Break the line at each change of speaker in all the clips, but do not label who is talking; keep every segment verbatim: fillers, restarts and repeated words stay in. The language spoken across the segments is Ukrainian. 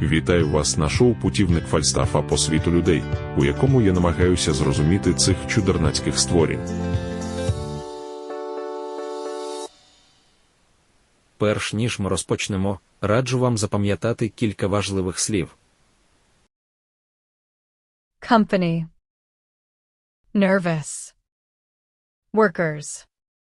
Вітаю вас на шоу «Путівник Фальстафа по світу людей», у якому я намагаюся зрозуміти цих чудернацьких створінь.
Перш ніж ми розпочнемо, раджу вам запам'ятати кілька важливих слів.
Company. Nervous. Workers.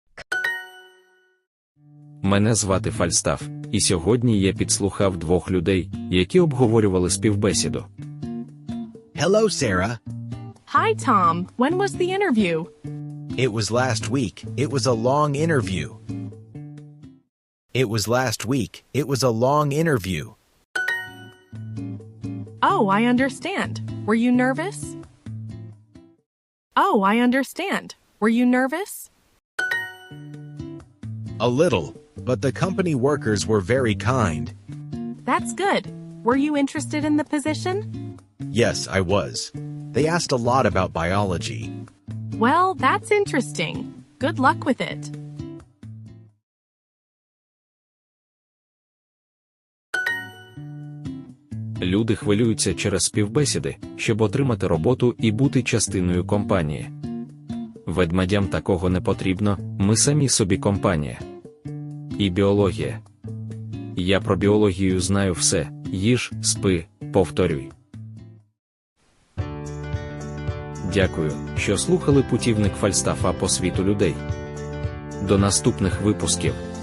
Мене звати Фальстаф, і сьогодні я підслухав двох людей, які обговорювали співбесіду.
Hello, Sarah.
Hi, Tom. When was the interview?
It was last week. It was a long interview. It was last week. It was a long interview.
Oh, I understand. Were you nervous? Oh, I understand. Were you nervous?
A little, but the company workers were very kind.
That's good. Were you interested in the position?
Yes, I was. They asked a lot about biology.
Well, that's interesting. Good luck with it.
Люди хвилюються через співбесіди, щоб отримати роботу і бути частиною компанії. Ведмедям такого не потрібно, ми самі собі компанія. І біологія. Я про біологію знаю все: їж, спи, повторюй. Дякую, що слухали «Путівник Фальстафа по світу людей». До наступних випусків.